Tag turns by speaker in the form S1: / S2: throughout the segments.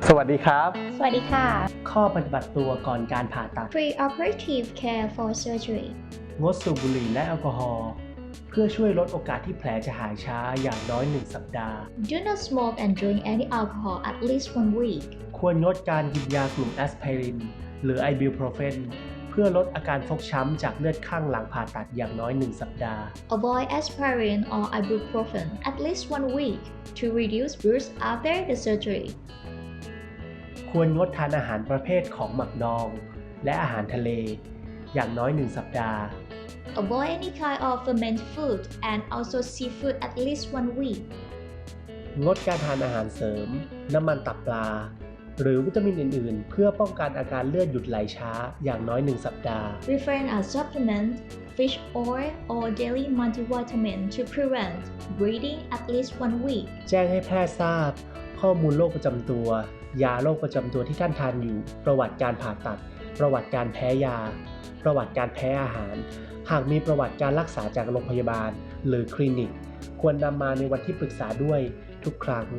S1: สวัสดีครับ
S2: สวัสดีค่ะ
S1: ข้อปฏิบัติตัวก่อนการผ่าตัด
S2: Preoperative care for surgery
S1: งดสูบบุหรี่และแอลกอฮอล์เพื่อช่วยลดโอกาสที่แผลจะหายช้าอย่างน้อย1 สัปดาห์
S2: Do not smoke and drink any alcohol at least 1 week.
S1: ควรงดการกินยากลุ่มแอสไพรินหรือไอบิวโพรเฟนเพื่อลดอาการฟกช้ำจากเลือดข้างหลังผ่าตัดอย่างน้อย1 สัปดาห์
S2: Avoid aspirin or ibuprofen at least 1 week to reduce bruise after the surgery.
S1: ควรงดทานอาหารประเภทของหมักดองและอาหารทะเลอย่างน้อย1 สัปดาห์
S2: Avoid any kind of fermented food and also seafood at least 1 week.
S1: งดการทานอาหารเสริมน้ำมันตับปลาหรือวิตามินอื่นๆเพื่อป้องกันอาการเลือดหยุดไหลช้าอย่างน้อย1 สัปดาห์
S2: Refrain a supplement, fish oil or daily multivitamin to prevent bleeding at least 1 week.
S1: แจ้งให้แพทย์ทราบข้อมูลโรคประจำตัวยาโรคประจำตัวที่ท่านทานอยู่ประวัติการผ่าตัดประวัติการแพ้ยาประวัติการแพ้อาหารหากมีประวัติการรักษาจากโรงพยาบาลหรือคลินิกควรนำมาในวันที่ปรึกษาด้วยทุกครั้ง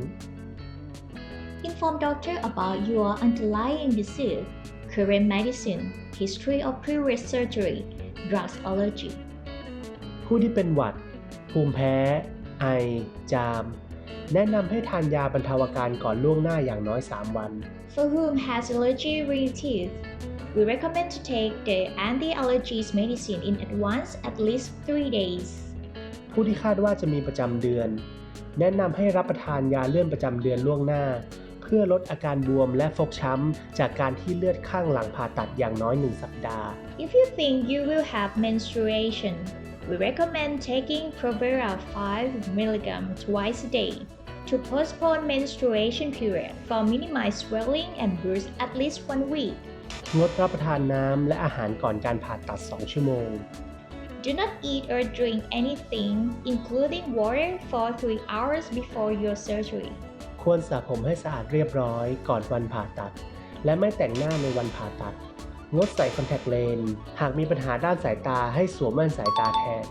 S2: Inform doctor about your underlying disease, current medicine, history of previous surgery, drugs allergy.
S1: ผู้ที่เป็นหวัดภูมิแพ้ไอจามแนะนำให้ทานยาบรรเทาอาการก่อนล่วงหน้าอย่างน้อย3 วัน
S2: For whom has allergy relative, we recommend to take the anti-allergies medicine in advance at least 3 days.
S1: ผู้ที่คาดว่าจะมีประจำเดือนแนะนำให้รับประทานยาเลื่อนประจำเดือนล่วงหน้าเพื่อลดอาการบวมและฟกช้ำจากการที่เลือดข้างหลังผ่าตัดอย่างน้อย1 สัปดาห์
S2: If you think you will have menstruation, we recommend taking Provera 5 mg twice a day to postpone menstruation period for minimize swelling and bruise at least 1 week.
S1: งดรับประทานน้ำและอาหารก่อนการผ่าตัด2 ชั่วโมง
S2: Do not eat or drink anything, including water, for 3 hours before your surgery.
S1: ควรสระผมให้สะอาดเรียบร้อยก่อนวันผ่าตัดและไม่แต่งหน้าในวันผ่าตัดงดใส่คอนแทคเลนส์หากมีปัญหาด้านสายตาให้สวมแว่นสายตาแทน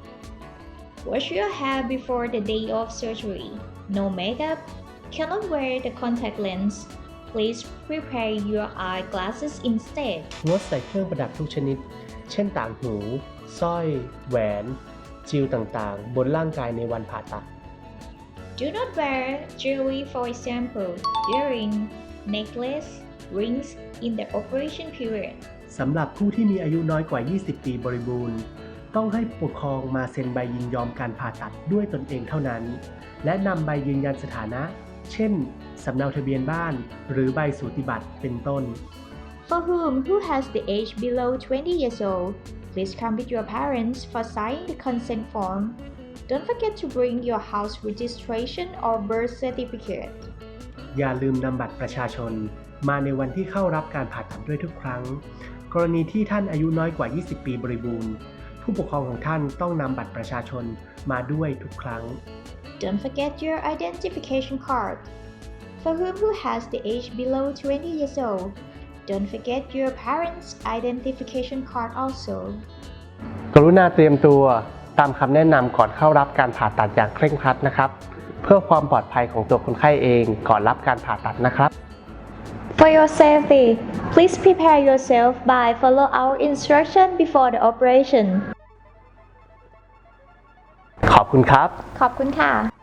S2: Wash your hair before the day of surgery. No makeup. Cannot wear the contact lens. Please prepare your eyeglasses instead.
S1: งดใส่เครื่องประดับทุกชนิดเช่นต่างหูสร้อยแหวนจิวต่างๆบนร่างกายในวันผ่าตัด
S2: Do not wear jewelry, for example, earring, necklace, rings in the operation period.
S1: สำหรับผู้ที่มีอายุน้อยกว่า 20 ปีบริบูรณ์ต้องให้ผู้ปกครองมาเซ็นใบยินยอมการผ่าตัดด้วยตนเองเท่านั้นและนำใบยืนยันสถานะ เช่นสำเนาทะเบียนบ้านหรือใบสูติบัตรเป็นต้น
S2: For who has the age below 20 years old, please come with your parents for signing the consent form. Don't forget to bring your house registration or birth certificate.
S1: อย่าลืมนำบัตรประชาชนมาในวันที่เข้ารับการผ่าตัดด้วยทุกครั้งกรณีที่ท่านอายุน้อยกว่า 20 ปีบริบูรณ์ผู้ปกครองของท่านต้องนำบัตรประชาชนมาด้วยทุกครั้ง
S2: Don't forget your identification card. For who has the age below 20 years old, don't forget your parents' identification card also.
S1: กรุณาเตรียมตัวตามคำแนะนำก่อนเข้ารับการผ่าตัดอย่างเคร่งครัดนะครับเพื่อความปลอดภัยของตัวคนไข้เองก่อนรับการผ่าตัดนะครับ
S2: For your safety, please prepare yourself by follow our instruction before the operation.
S1: ขอบคุณครับ
S2: ขอบคุณค่ะ